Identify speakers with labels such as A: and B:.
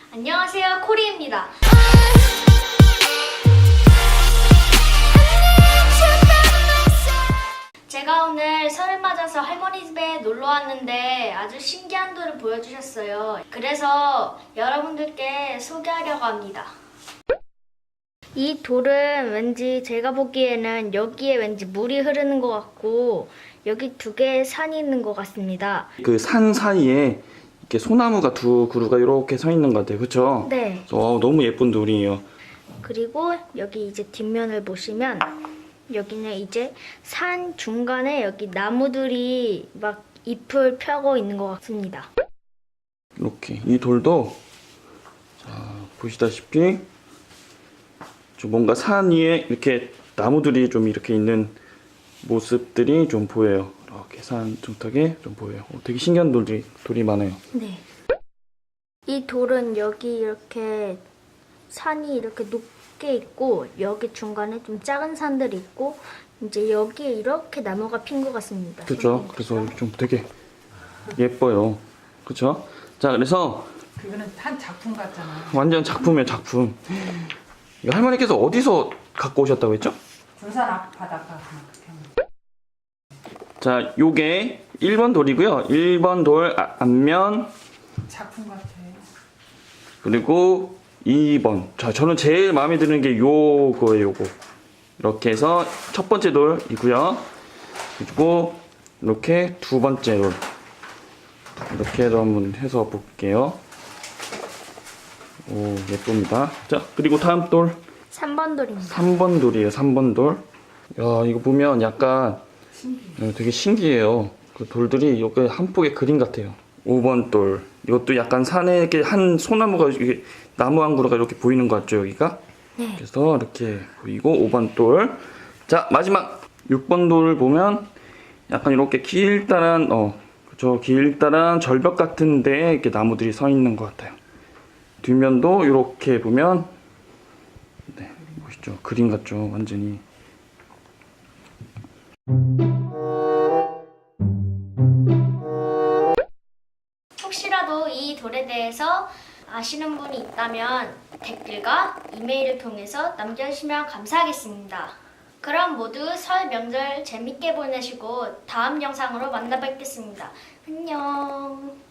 A: 안녕하세요, 코리입니다. 제가 오늘 설을 맞아서 할머니 집에 놀러 왔는데 아주 신기한 돌을 보여주셨어요. 그래서 여러분들께 소개하려고 합니다. 이 돌은 왠지 제가 보기에는 여기에 왠지 물이 흐르는 것 같고 여기 두 개의 산이 있는 것 같습니다.
B: 그 산 사이에 이렇게 소나무가 두 그루가 이렇게 서 있는 것 같아요. 그렇죠?
A: 네.
B: 너무 예쁜 돌이에요.
A: 그리고 여기 이제 뒷면을 보시면 여기는 이제 산 중간에 여기 나무들이 막 잎을 펴고 있는 것 같습니다.
B: 이렇게 이 돌도 자, 보시다시피 좀 뭔가 산 위에 이렇게 나무들이 좀 이렇게 있는 모습들이 좀 보여요. 이렇게 산 중턱에 좀 보여요. 되게 신기한 돌이 많아요.
A: 네. 이 돌은 여기 이렇게 산이 이렇게 높게 있고 여기 중간에 좀 작은 산들이 있고 이제 여기에 이렇게 나무가 핀 것 같습니다.
B: 그렇죠? 그래서 좀 되게 예뻐요. 그렇죠? 자, 그래서
C: 그거는 한 작품 같잖아.
B: 완전 작품이에요, 작품. 이거 할머니께서 어디서 갖고 오셨다고 했죠?
C: 군산 앞바닷가
B: 자, 요게 1번 돌이고요. 1번 돌 앞면
C: 작품 같아.
B: 그리고 2번. 자, 저는 제일 마음에 드는 게 요거예요, 요거. 이렇게 해서 첫 번째 돌이고요. 그리고 이렇게 두 번째 돌. 이렇게 해서 한번 해서 볼게요. 오, 예쁩니다. 자, 그리고 다음 돌.
A: 3번 돌입니다.
B: 3번 돌이에요, 3번 돌. 야, 이거 보면 약간 되게 신기해요. 그 돌들이 여기 한 폭의 그림 같아요. 5번 돌. 이것도 약간 산에 이렇게 한 소나무가 이게 나무 한 그루가 이렇게 보이는 것 같죠, 여기가?
A: 네.
B: 그래서 이렇게 보이고 5번 돌. 자, 마지막 6번 돌을 보면 약간 이렇게 길다란 그쵸, 길다란 절벽 같은데 이렇게 나무들이 서 있는 것 같아요. 뒷면도 이렇게 보면 네, 보시죠. 그림 같죠, 완전히.
A: 혹시라도 이 돌에 대해서 아시는 분이 있다면 댓글과 이메일을 통해서 남겨주시면 감사하겠습니다. 그럼 모두 설 명절 재밌게 보내시고 다음 영상으로 만나 뵙겠습니다. 안녕.